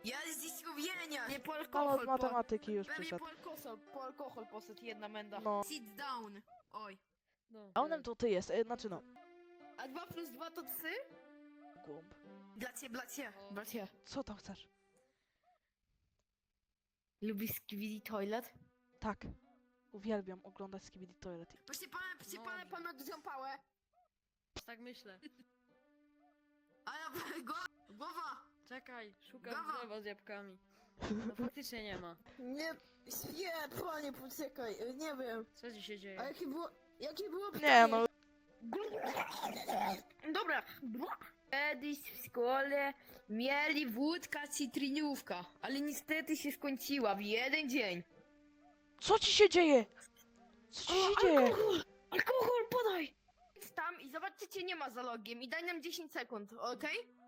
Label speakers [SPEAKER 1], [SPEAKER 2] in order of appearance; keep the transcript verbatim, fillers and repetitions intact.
[SPEAKER 1] Ja z skupienia! Nie po
[SPEAKER 2] No,
[SPEAKER 1] alkohol,
[SPEAKER 2] z
[SPEAKER 1] po...
[SPEAKER 2] matematyki już
[SPEAKER 1] Pewnie
[SPEAKER 2] przyszedł.
[SPEAKER 1] po alkohol, po alkohol poszedł jedna menda.
[SPEAKER 2] No.
[SPEAKER 1] Sit down. Oj.
[SPEAKER 3] No,
[SPEAKER 2] Downem to ty jest, e, znaczy no.
[SPEAKER 1] A dwa plus dwa to trzy?
[SPEAKER 2] Głąb.
[SPEAKER 1] Dla ciebie, dla ciebie. Dla ciebie.
[SPEAKER 2] Co tam chcesz?
[SPEAKER 1] Lubisz Skibidi Toilet?
[SPEAKER 2] Tak. Uwielbiam oglądać Skibidi Toilet.
[SPEAKER 1] Proszę pana, proszę
[SPEAKER 3] No.
[SPEAKER 1] pana, pan odrzął pałę.
[SPEAKER 3] tak myślę.
[SPEAKER 1] A ja, go, głowa!
[SPEAKER 3] Czekaj, szukam
[SPEAKER 1] Gawa.
[SPEAKER 3] drzewa z jabłkami. No faktycznie nie ma.
[SPEAKER 1] Nie, nie, panie, poczekaj, nie wiem.
[SPEAKER 3] Co ci się dzieje?
[SPEAKER 1] A jakie było, jakie było
[SPEAKER 2] Nie no,
[SPEAKER 1] Dobra. Kiedyś w szkole mieli wódka cytrynówka, ale niestety się skończyła w jeden dzień.
[SPEAKER 2] co ci się dzieje? Co ci się dzieje?
[SPEAKER 1] Alkohol! Alkohol, podaj! Idź tam i zobaczcie, czy nie ma za logiem i daj nam dziesięć sekund, okej?